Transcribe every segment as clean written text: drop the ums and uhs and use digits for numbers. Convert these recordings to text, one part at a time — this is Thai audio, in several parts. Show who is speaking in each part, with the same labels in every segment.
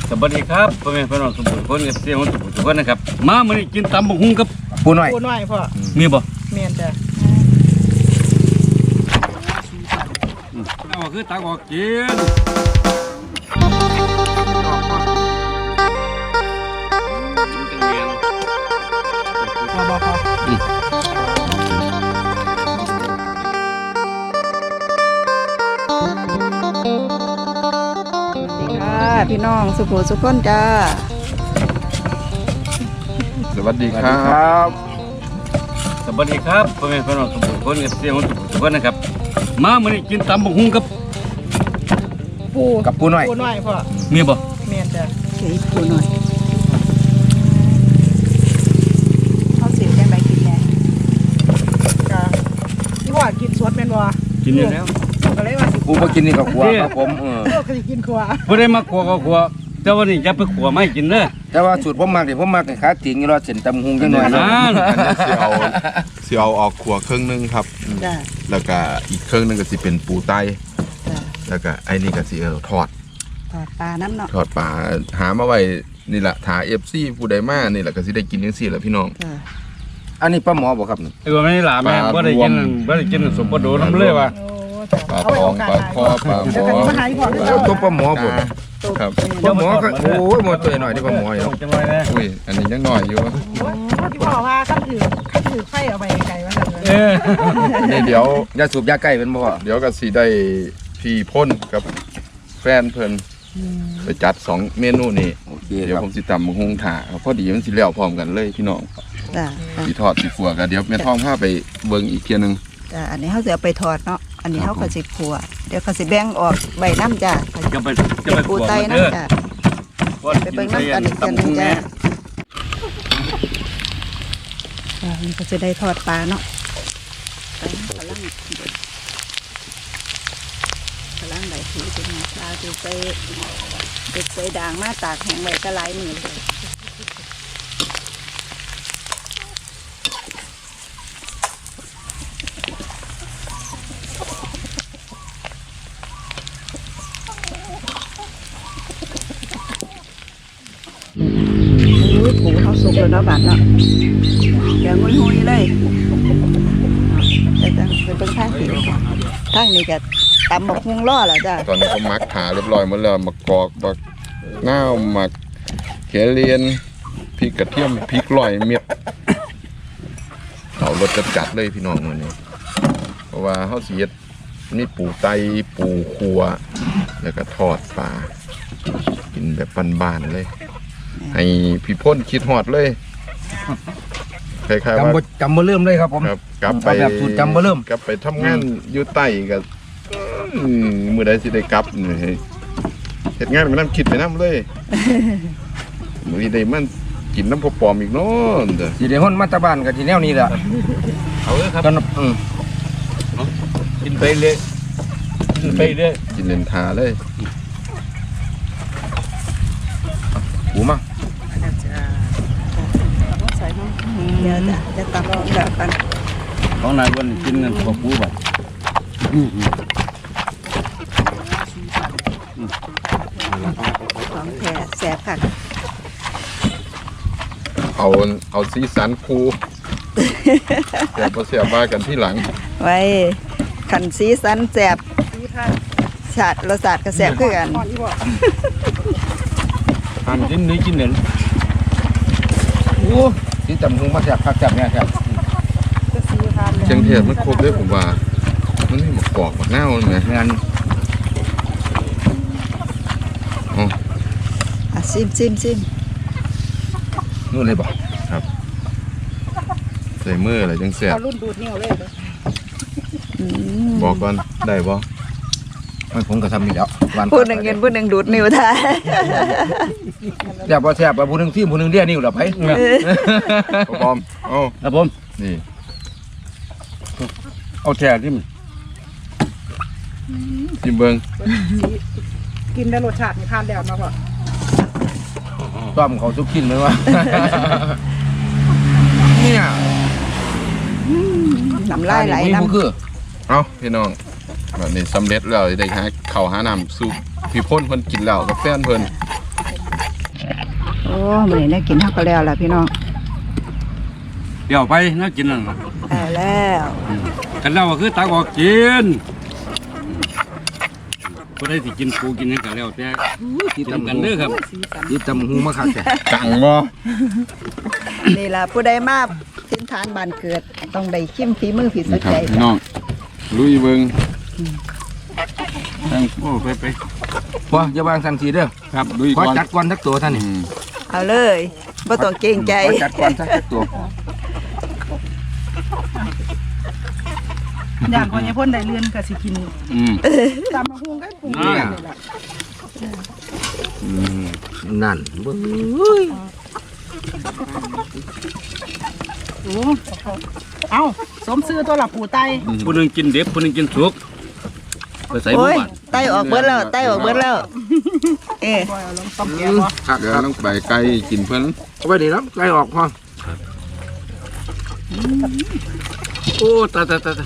Speaker 1: สวัสดีครับพ่อแม่พี่น้องทุกคนเสียงของทุกคนนะครับมามื้อนี้กินตำบักหุ่งกับ
Speaker 2: ปูน้อย
Speaker 1: พ่อมีบ่
Speaker 3: เมียนจ้ะ
Speaker 1: เอาคือตักออกกิน
Speaker 3: พี่น้องสุโขสุขคนจ้า
Speaker 2: สวัสดีครับ
Speaker 1: สวัสดีครับพ่อแม่พี่น้องทุกคนเสียงของทุกคนนะครับมามื้อนี้กินตำบักหุ่งกับ
Speaker 2: ปูน้อย
Speaker 3: พ่อ
Speaker 1: มีบ่
Speaker 3: เมียนจ้ะปูน้อยเขาเสียจังไดกินแน่จ้ะที่ว่ากินสดแม่นบ่
Speaker 1: กินอยู่แล้ว
Speaker 3: ก็เลยว่า
Speaker 2: ปูบ่กินนี่ก็ขัวครับผม
Speaker 3: ก็สิกินขัว
Speaker 1: บ่ได้มาขัวก็ขัวแต่วันนี้จะไปขัวไม่กินเด้อ
Speaker 2: แต่ว่าสูตรผมมักนี่ผมมักให้ขาติ่งอยู่รอเส้นตำหุงจังหน่อยนะ
Speaker 4: สิเอาออกขัวครึ่งนึงครับแล้วก็อีกครึ่งนึงก็สิเป็นปูไตแล้วก็ไอ้นี่ก็สิทอด
Speaker 3: ปลาน้ำเนาะ
Speaker 4: ทอดปลาหามาไว้นี่แหละถา FC ผู้ใดมานี่แหละก็สิได้กินจังซี่แหละพี่น้อง
Speaker 2: อันนี้ป้าหมอบ่ครับนี่
Speaker 1: ไม่ได้หลาแม่บ่ได้กินสมบูรณ์น้ำเลยว่ะ
Speaker 4: ปลาทองปลาคอปลาหมอ
Speaker 2: ตัวป้าหมอบ่
Speaker 4: ครับ
Speaker 2: ป้าหมอก็โอ้ยหมอตัวหน่อยที่ป้าหมออยู่
Speaker 1: จังเลยนะ
Speaker 4: อุ้ยอันนี้ยังน้อยอยู่
Speaker 3: ที่บอกว่าขั้นถือไฟเอาไปไกลว่า
Speaker 4: นี่เดี๋ยวย
Speaker 2: าสูบยาใกล้เป็นบ่
Speaker 4: เดี๋ยวก็สิได้พี่พ่นกับแฟนเพิ่นไปจัด2เมนูนี่เดี๋ยวผมสิตำบักหุ่งถาพอดีมันสิแล้วพร้อมกันเลยพี่น้องสิทอดสิขัวกันเดี๋ยวแม่ท้องพาไปเบิ่งอีกเที่ยนึง
Speaker 3: จ้ะอันนี้เขาจะเอาไปทอดเนาะอันนี้เขาก็สิขัวเดี๋ยวเขาสิแบ่งออกใบน้ำจ้ะ
Speaker 1: จะไป
Speaker 3: ปูไตน้ำจ้ะไปเบิ่งน้ำกันอีกเที่ยนึงจ้ะมันก็จะได้ทอดปลาเนาะกำลังใบถือเป็นปลาจะใส่ด่างมาตากแห้งไว้ก็หลายมื้อเลยปูเขาสุกแล้วเนาะบาดเนาะเดี๋ยวงุยๆเลยแต่เป็นเบิ่งทางนี้ก็ตำบักหุ่งล่อแล้วจ้ะ
Speaker 4: ตอนนี้ก็มักขาเรียบร้อยหมดแล้วมะกอกบักนาวหมักเขเลียนพริกกระเทียมพริกลอยเม็ดเอารสจัดเลยพี่น้องมื้อนี้เพราะว่าเฮาสิเฮ็ดมีปูไตปูขัวแล้วก็ทอดปลากินแบบบ้านๆเลยให้พี่พ่นคิดฮอดเลยคล้ายๆว่า
Speaker 2: จำบ่เริ่มเลยครับผม
Speaker 4: กลับไป
Speaker 2: แบบสูตรจำบ่เริ่ม
Speaker 4: กลับไปทำงานอยู่ใต้ก็มื้อใดสิได้กลับนี่เฮ็ดงานไปนำคิดไปนำเลยมื้อนี้ได้มันกินน้ำพอปอมอีกเนาะ
Speaker 2: สิได้ฮ้อนมาตะบ้านก็สิแนวนี้แหละ
Speaker 1: เอาเลยครับกินไปเลยกิน
Speaker 4: เล่นทาเลยปูมา
Speaker 3: เดี๋ยวจะตำแบบกัน
Speaker 1: ของนายวันกินเงินกับปูแบบ
Speaker 3: ของแท้แซ่บค่ะ
Speaker 4: เอาสีสันคูเดี๋ยวเสียบ้ากันที่หลัง
Speaker 3: ไว้ขันสีสันแซ่บชาติรสชาติก็แซ่บคือกัน
Speaker 1: ทานกินนี้กินเนื้อ
Speaker 2: โอ้สีตำหุงมาแซ่บคักแซ่บเนี่ยครับ
Speaker 4: เชียงเทศมันครบด้วยผมว่ามันนี่หมกกอกหมกเน่าเลย
Speaker 2: งาน
Speaker 3: ซิม
Speaker 2: นู่นเลยบอก
Speaker 4: ครับใส่มืออะไรจังแซ่บ
Speaker 3: รุ่นดูดเนี่ยวเลย
Speaker 4: บอกก่อนได้บ่
Speaker 2: ไม่ผมก็ทำนี่แล้ว
Speaker 3: พูดหนึ่งเงินพูดหนึ่งดูดนิ้วท้าย
Speaker 2: เดี๋ยวพอแซ่บพูดหนึ่งซิมพูดหนึ่งเรียนิ้วหรอไผ่
Speaker 4: บอม
Speaker 1: ครับผม
Speaker 4: นี่
Speaker 1: เอาแช่ที่มัน
Speaker 4: กินเบิ้ง
Speaker 3: กินได้รสชาติทานแล้วมาก่อน
Speaker 2: ต้มเขาทุกกินไหมวะเนี่ย
Speaker 3: น้ำลายไหลน้ำ
Speaker 2: คือ
Speaker 4: เอาพี่น้องแบบนี้สำเร็จแล้วได้หาข้าวหาน้ำซุปพี่พ่นเพิ่นกินแล้วกับแฟนเพิ่น
Speaker 3: มื้อนี้ได้กินเฮาก็แล้วล่ะพี่น้อง
Speaker 1: เดี๋ยวไปน่ากินนั่นล่ะ
Speaker 3: ได้แล้ว
Speaker 1: กันแล้วก็คือตักออกกินบ่ได้สิกินปูกินหยังก็แล้วแต่กินกันเด้อครับ
Speaker 3: สีสัน
Speaker 2: ที่ตำหุงมาคักแต่
Speaker 4: กังบ่
Speaker 3: นี่ล่ะผู้ใดมาถิ่นฐานบ้านเกิดต้องได้ชิมฝีมือฝีสุ
Speaker 4: นี่
Speaker 3: ด
Speaker 4: ครับ
Speaker 3: ใจ
Speaker 4: พี่น้องลุยเบิ่ง
Speaker 1: โอ้ไป
Speaker 2: พออย่าวางสันสีเด้อ
Speaker 4: ครับลุย
Speaker 2: ขอ
Speaker 4: ก่อน
Speaker 2: จัดก่อนทักตัวท่านนี่
Speaker 3: เอาเลยบ่ต้องเกรงใจ
Speaker 2: ขอจัดก่อนทักตัว
Speaker 5: อย่างคนยายพ่นได้เลื่อนก็สิกิน ตามมาหุงก็ปรุง
Speaker 1: อ่า
Speaker 5: เลยล่ะ
Speaker 2: นั่นเบิ่ง
Speaker 5: โอ้เอ้าสมซื้อตัวละปูไต
Speaker 1: ผู้หนึงกินเด็บผู้หนึงกินสุกไปใส่หมู่
Speaker 3: โอ้ย
Speaker 1: บ้าน
Speaker 3: ไตออกเบิดแล้วไตออกเบิดแล้ว เอ๊ะ
Speaker 5: บ่เอาลงต้มแกงบ่
Speaker 2: คัก
Speaker 4: เดี๋ยว
Speaker 2: ครับ
Speaker 4: ต้องไปไกลกินเพิ่น
Speaker 2: เอาไว้นี่เนาะไล่ออกพอ
Speaker 1: โอ้ตาย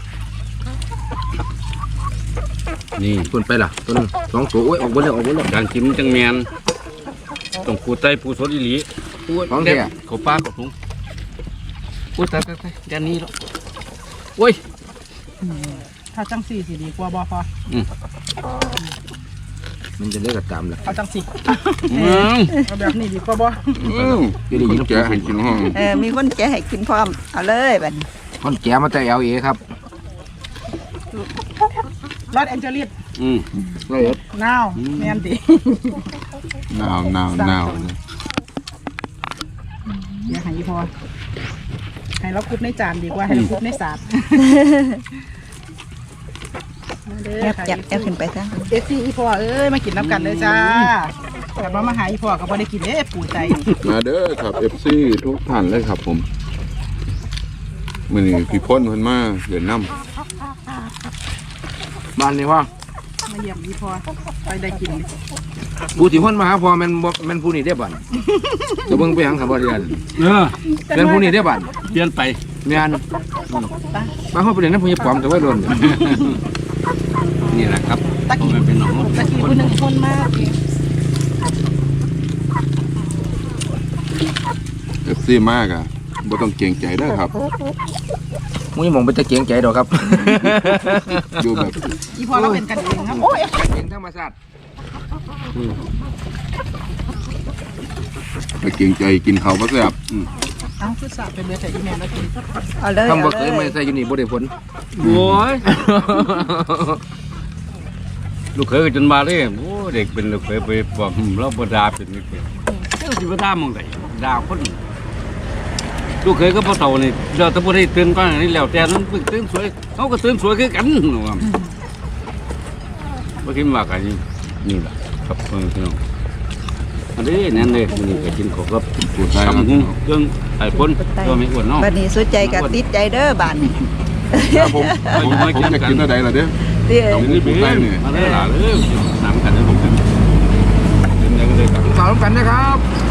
Speaker 1: นี่
Speaker 2: ส่วนไปล่ะตัวนึงสองตัวโอ้ยออกเบิดแล้วออกเบิดแล้ว
Speaker 1: การกินจังแมนต้องปูไตปูสดอีหลีปู
Speaker 2: ของแท้
Speaker 1: เขาปลาเขาถุงโอ้ตายยันนี้แล้วโอ้ย
Speaker 5: ถ้าจังสี่สิดีกว่าบ่พอ
Speaker 2: มันจะได้กระตามล่ะ
Speaker 5: เอาจังสี่
Speaker 1: อืม
Speaker 5: เอาแบบนี้ดีกว่าบ่
Speaker 2: จะได้ยิน
Speaker 4: แกะให้กินห้อง
Speaker 3: มีคนแกะให้กินพร้อมเอาเลยบัดนี้
Speaker 2: คนแก่มาแต่ LA ครับ
Speaker 5: รอดแอนเจลิส
Speaker 1: อืม
Speaker 2: เลยเอ็ด
Speaker 5: นาวแม่นติ
Speaker 4: หนาว
Speaker 5: อย่าให้พอให้เราคุบในจานดีกว่าให้เราคุบในสาด
Speaker 3: แอบจับแอบขึ้นไปซะ
Speaker 5: เอฟซีอีพ่อเอ้ยมากินน้ำกันเลยจ้าแต่ว่ามาหาอีพ่อก็บ่ได้กินเด้ปูใจ
Speaker 4: มาเด้อครับ FC ทุกท่านเลยครับผมมื้อนี้พี่พ้นเพิ่นมาเดินน้ำ
Speaker 2: บ้านนี่ว่า
Speaker 5: มาเยี่ยมอีพ่อไปได้กิน
Speaker 2: ผู้ที่พ้นมาหาพ่อแม่นบ่แม่นผู้นี้ได้บ้านจะเบิ่งไปหยังครับบ่เรียน
Speaker 1: เออ
Speaker 2: แม่นผู้นี้ได้บ้าน
Speaker 1: เปลี่ยนไป
Speaker 2: แม่นมาเฮาไปเรียนนำผู้ใหญ่ปอมแต่ว่าโดน
Speaker 1: นี่แหละครับ
Speaker 5: ตะกี้
Speaker 1: มันเป็นหนอง
Speaker 5: ตะกี้ผู้หนึงคนมาก
Speaker 4: FC มากอ่ะบ่ต้องเกรงใจเด้อครับ
Speaker 2: มึงยังมองไปตะเกียงใจดอกครับ
Speaker 4: อยู่แบบ
Speaker 5: อีพ่อเราเป็นกันเองครับโอ้ย
Speaker 2: เกียงธรรมชาติ
Speaker 4: ไปเกรงใจกินข้าวบ่แซ่บ
Speaker 5: เอ้าคือสาเป็นเบอร์ใส่อีเมลแล้วกิน
Speaker 3: เอาเลย
Speaker 2: ทำบ่
Speaker 3: เอา
Speaker 2: เคย
Speaker 3: เล
Speaker 2: ไม่
Speaker 3: ย
Speaker 2: ใส่อยู่นี่บ่ได้ผล
Speaker 1: โอ้ยลูกเคยก็จนมาเลยโอ้เด็กเป็นลูกเคยไปบอกเราบ่ด่าเป็นนี่เป็นเจ้าสิบ่ด่ามองไดด่าคนลูกเคยก็บ่เฒ่านี่เราถ้าบ่ได้ตื่นก่อนอันนี้แล้วแต่นั้นเพิ่งตื่นสวยเขาก็ตื่นสวยคือกันว่าบ่คิดว่ากันนี่ล่ะครับเพิ่นพี่น้องอันนี้นั่นเลยมื้อนี้ก็กินข้าวกับ
Speaker 4: ปูไต
Speaker 1: ตำหุงเครื่องไอ้คนตัวไม่อ้วนเนาะ
Speaker 3: บัดนี้สุดใจกับติดใจเด้อบ้านนี้
Speaker 4: ครับผมจะกินอะไรล่ะเด้อ
Speaker 3: เด้อ
Speaker 1: เอานี่ไปเลยมาเลยล่ะเลยหนังกันเลยผมกันเดินยังเลยครับ
Speaker 2: สาวกันนะครับ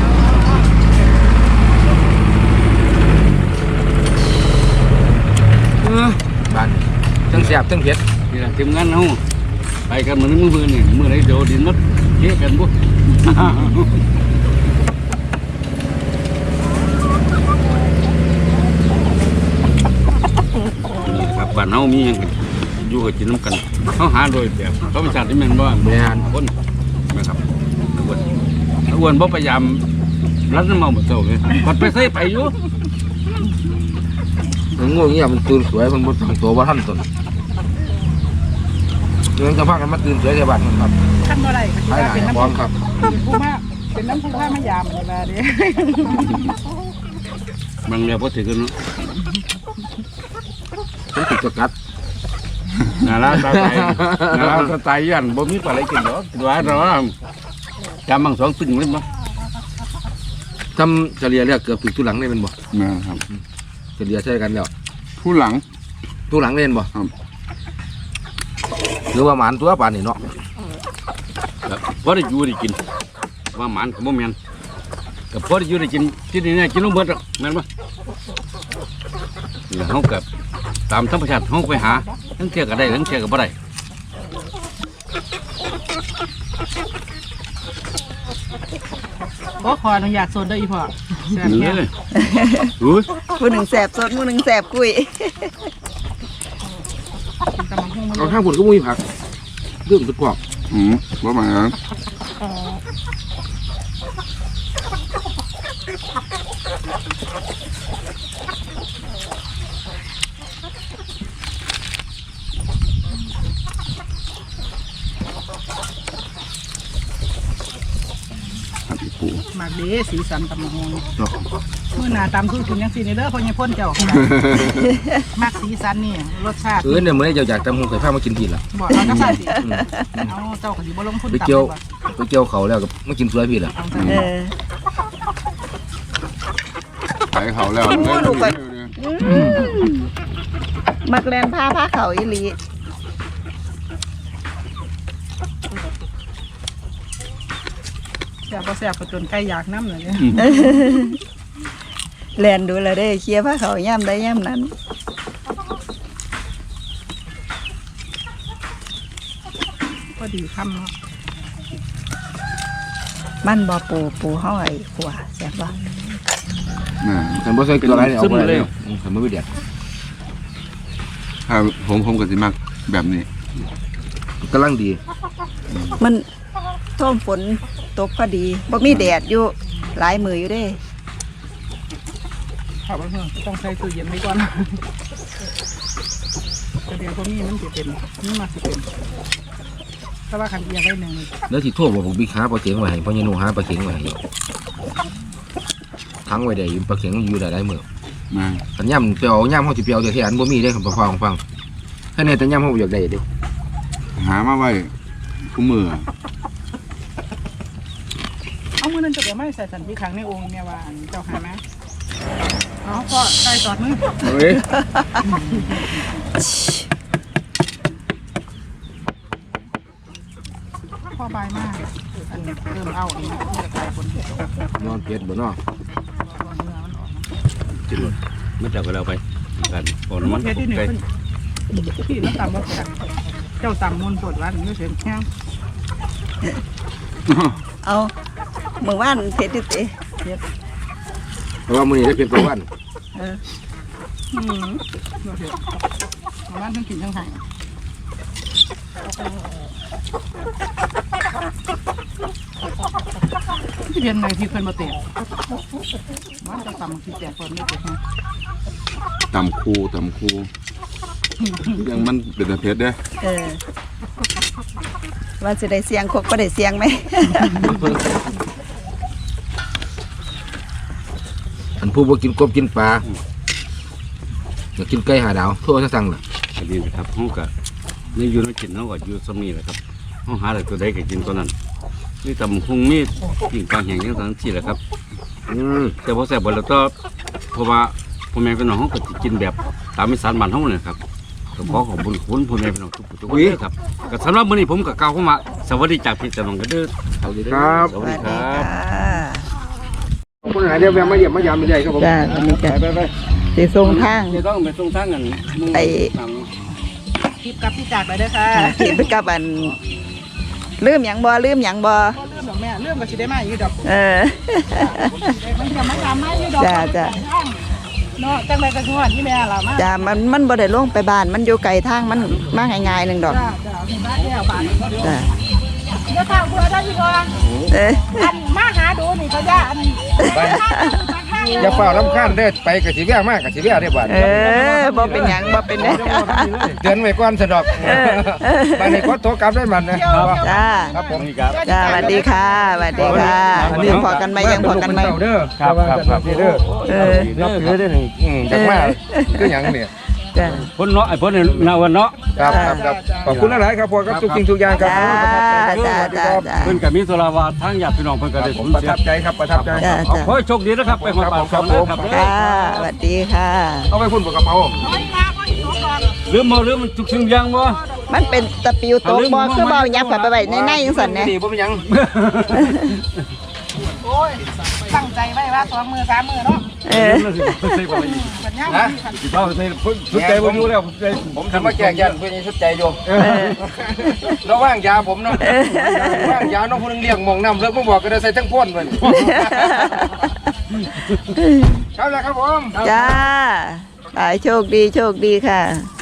Speaker 2: บ้านทั้งแซ่บทั้งเผ็ด
Speaker 1: นี่แหละทีมงานเฮาไปกันมื้อนี้มื้อนี่มื้อไหนเดี๋ยวดินมัดเจ๊กันบ่ครับบ้านเฮามีหยังกันอยู่กับกินน้ำกันเฮาหาโดยแบบธรรมชาติที่แม่นบ่
Speaker 2: แม่น
Speaker 1: คนนะครับอ้วนบ่พยายามรัดน้ำเมาบ่เจ้าเลยบัดไปใส่ไปอยู่
Speaker 2: มันง่วงเงี้ยมันตื่นสวยมันบ่ตั้งตัวว่าท่านตนเรื่องจะพากันมาตื่นสวยในบ้านมันครับ
Speaker 5: ขั้นบ่ได้ก็
Speaker 2: ใช่
Speaker 5: คือ
Speaker 2: ห
Speaker 5: ว่า
Speaker 2: นา
Speaker 5: เป็น
Speaker 2: พร้อม
Speaker 5: น้ำ
Speaker 2: ครับ
Speaker 5: เป็นน้ำผู้มามายามนี่ว่าเด้
Speaker 1: บางแล้วบ่ถือกันเนาะ
Speaker 2: ผมติดกระกัด
Speaker 1: น่ารักสไตล์น่ารักสไตล์ยันบ่มีปลาไหลกินดอกคิดว่าเนาะจำบางสองปึ้งเลยบ่
Speaker 2: ทำเฉลี่ยแล้วเกือบถึงทุหลังเลยเป็นบ่
Speaker 4: นะครับ
Speaker 2: เฉลี่ยใช่กันแล้ว
Speaker 4: ผู้หลัง
Speaker 2: ทุหลังเล่นบ่
Speaker 4: ครับ
Speaker 2: หรือว่าหมานตัวป่านนี่เนาะ
Speaker 1: ครับพอได้อยู่ได้กินว่าหมานก็บ่แม่นก็พอได้อยู่ได้กินที่นี่เนี่ยกินลงเบิดหรอกแม่นบ่นี่เฮาก็ตามธรรมชาติเฮาไปหาทั้งเที่ยก็ได้ทั้งเที่ยก็บ่ได้
Speaker 5: โอ้ขออนุญาตโซนได้อีพ่อแซ่บ
Speaker 1: นี่
Speaker 5: แค่
Speaker 1: เลยอุ้ย
Speaker 3: ผู้หนึ่งแสบสดผู้หนึ่งแสบกุย
Speaker 5: กินตำบักหุ่งมัน
Speaker 2: เอาข้างผุนก็มุ้ยผักเรื่องตุกกรอบ
Speaker 4: ว่ามา
Speaker 5: หมากเด้สีสันตำบักหุ่งมื้อหน้าตำคือกินจังซี่นี่เด้อพ่อใหญ่พ่นเจ้ามักสีสันนี่รสชาติ
Speaker 2: เนี่ยเมื่อเจ้าอยากตำหงเคยพามากินทีละ
Speaker 5: บอกเราจะใส่สิเอาเจ้าก็สิบ่ลงทุน
Speaker 2: ไป
Speaker 5: ตำ
Speaker 2: เกี่ยว
Speaker 5: ดีกว่า
Speaker 2: ไปเกี่ยวเขาแล้วก็มากินสวยพี่ละ
Speaker 5: เอาใส่
Speaker 4: ขายเขาแล้ว
Speaker 3: มักแลนผ้าเขาอีหลี
Speaker 5: แซ่บบ่แซ่บก็จนไก่อยากน้ำเลยเนี่ย
Speaker 3: แลนดูแลได้เคลียร์ผ้าเขาย่ำได้ย่ำนั้น
Speaker 5: ก็ดีค่ำเนาะ
Speaker 3: มันบ่ปูเฮาไอ้ขัวแซ่บบ่
Speaker 2: ฉันบ่ใส่เกลืออะไรเอาไปเลยฉันไม่เดือด
Speaker 4: ครับผมก็สิมักแบบนี้
Speaker 2: กำลังดี
Speaker 3: มันท่วมฝนตกพอดีบ่มีแดดอยู่หลายมืออยู่เด้
Speaker 5: ขอบคุณต้องใส่ตู้เย็นไว้ก่อนแต่เดี๋ยวพวกนี้มันสิเป็นนี่มาสิเป็นถ้าว่าคันเอียงไว้หนึ่ง
Speaker 2: แล้วที่ทั่วบอกผมบิ๊กหาปลาเข็งไว้ให้พ่อใหญ่หนูหาปลาเข็งไว้ให้ทั้งไว้ได้ปลาเข็งอยู่ได้มื้อ
Speaker 4: มา
Speaker 2: ขันย่ำเปียวย่ำเขาจะเปียวแต่ที่อันบ่มีได้ของปลาของฟังแค่นี้แต่ย่ำเขาอยากได้เด้
Speaker 4: หามาไว้คู่มือ
Speaker 5: เอามือนั้นจะเดี๋ยวไม่ใส่สันพี่ครั้งในองค์เนี่ยว่าอันเจ้าหามาเอาพ่อใส่ตอดมือ
Speaker 2: เฮ้ย
Speaker 5: พ่อบายมากอันเริ่มเอาอันนี้ที่จะกลายคนเดียวน
Speaker 2: อนเผ็ดบ่เนาะ
Speaker 5: เนื้อมันออก
Speaker 1: จิรถไม่จับกันแล้วไปกันก่อนมัน
Speaker 5: เพชรที่หนึ่งพี่น้ำตาลบ่แซ่บเจ้าตำมุนปวดวันไม่เสียงแข้ง
Speaker 3: เอามื้อวานเผ็ดดิติ
Speaker 2: เพราะว่ามื้อนี้ได้เผ็ดกว่าวัน
Speaker 3: เออ
Speaker 5: บ่เผ็ดประมาณทั้งกินทั้งหายที่เรียนในที่เพิ่นมาเตะมันจะตำที่แตกคนไม่เจ็บนะ
Speaker 4: ตำคูยังมันเป็นแต่เพชรเด้
Speaker 3: เออว่าสิได้เสียงคกบ่ได้เสียงไหม
Speaker 2: อันผู้บ่กินกบกินปลาอยากกินไก่หาดาวโทรสั่งล่ะ
Speaker 1: อันนี้นะครับห้องกับนี่อยู่ในกินห้องกับอยู่สมีแหละครับห้องหาอะไรตัวใดก็กินตัวนั้นนี่ตำคงมีกิ่งกลางแห่งยังทั้งที่แหละครับแต่พอแซ่บบ่แล้วก็เพราะว่าพ่อแม่พี่น้องเขาก็สิกินแบบตามอีสานบ้านเฮาเนี่ยครับก็ขอขอบคุณคุณพ่อแม่พี่น้องทุกคนด้วยครับก็สำหรับมื้อนี้ผมก็กล่าวเข้ามาสวัสดีจากพี่เจ้าน้องกันเด้อ
Speaker 2: ครับ
Speaker 1: สวัสดีครับ
Speaker 2: คนหาเดี๋ยวแวะมาเยี่ยมมายามไม่ได้ครับผม
Speaker 3: จ้าอันนี้จ้ะสิส่งทาง
Speaker 1: จะต้องไปส่งทางกัน
Speaker 3: ไอ้
Speaker 5: คลิปกับพี่จากไปเด้อค่ะ
Speaker 3: ที่ไปกับอันลืมหยังบ่ลืมหยังบ่
Speaker 5: เรื่องดอกแม่เรื่องก็สิได้มาอยู่ดอก
Speaker 3: เออ
Speaker 5: มันจะมาตามมาอยู่ดอก
Speaker 3: จ้ะ
Speaker 5: เนาะจังไรก็ชวนที่แม่ล่ะมา
Speaker 3: จ้ามันบ่ได้ลงไปบ้านมันอยู่ไกลทางมันมาง่ายๆหนึงดอก
Speaker 5: จ้าบ้านแก้วบ้าน
Speaker 3: จ้า
Speaker 5: เดี๋ยวข้าวเพื่อได้พี่น้อง
Speaker 3: เออ
Speaker 5: อันมาหาดูนี่ก็ย่าอัน
Speaker 2: อย่าเฝ้าลำคาญเด้อไปกะสิแวะมากกะสิแวะได้บ่
Speaker 3: เออบ่เป็นหยังบ่เป็นหยัง
Speaker 2: เตือนไว้ก่อนสะดอกบัดนี้ขอโทรกลับได้มันนะ
Speaker 3: จ้า
Speaker 2: ครับผม
Speaker 3: จ้าสวัสดีค่ะสวัสดีค่ะยังพอกันไหมยังพอกันไหม
Speaker 2: เด้อครับเด้อ
Speaker 3: เออ
Speaker 2: นับถือได้นี่จักมาคือหยังเนี่ย
Speaker 3: จ้า
Speaker 1: พ้นเนาะไอ้พ้นนาวันเนาะ
Speaker 2: ครับขอบคุณหลายๆครับพ่อครับทุกสิ่งทุกอย่างครับ
Speaker 3: จ้าจ้าจ้า
Speaker 1: เพิ่นก็มีโซลาวาทางญาติพี่น้องเพิ่นก็ได้
Speaker 2: ผ
Speaker 1: ผม ม
Speaker 2: ประ
Speaker 1: เสีย
Speaker 2: ทับใจครับประทับใจ
Speaker 3: จ้า
Speaker 1: ขอ
Speaker 3: จ้า
Speaker 1: ให้โชคดีนะครับไปหอดปาก
Speaker 2: ครับ
Speaker 1: คำ
Speaker 2: ผม
Speaker 1: นะครับ
Speaker 3: ค่ะสวัสดีค่ะ
Speaker 2: เอาไปพุ่นกับกระเป๋า
Speaker 1: ลืมมันทุกสิ่งอย่างบ่
Speaker 3: มันเป็นตะปิวโตกบ่คือบ่ยับเข้าไปไว้ในจังซั่นแหน่
Speaker 2: ดีบ่เป็นหยัง
Speaker 5: โอ้ยตั้งใจไว้ว่า2 มือ 3 มือเนาะ
Speaker 1: ใส่ปลาอีก
Speaker 5: ปัญญา
Speaker 2: นะ
Speaker 1: สิเป้าใส่สุดใจบ่อยู่แล้วผม
Speaker 2: ทำมาแจกยันเพื่อนชุดใจอยู่แล้วว่างยาผมเนาะว่างยาน้องคนนึงเลี้ยงมองน้ำเลิกมาบอกก็ได้ใส่ทั้งพ่นมันครับแล้วครับผม
Speaker 3: จ้าตายโชคดีค่ะ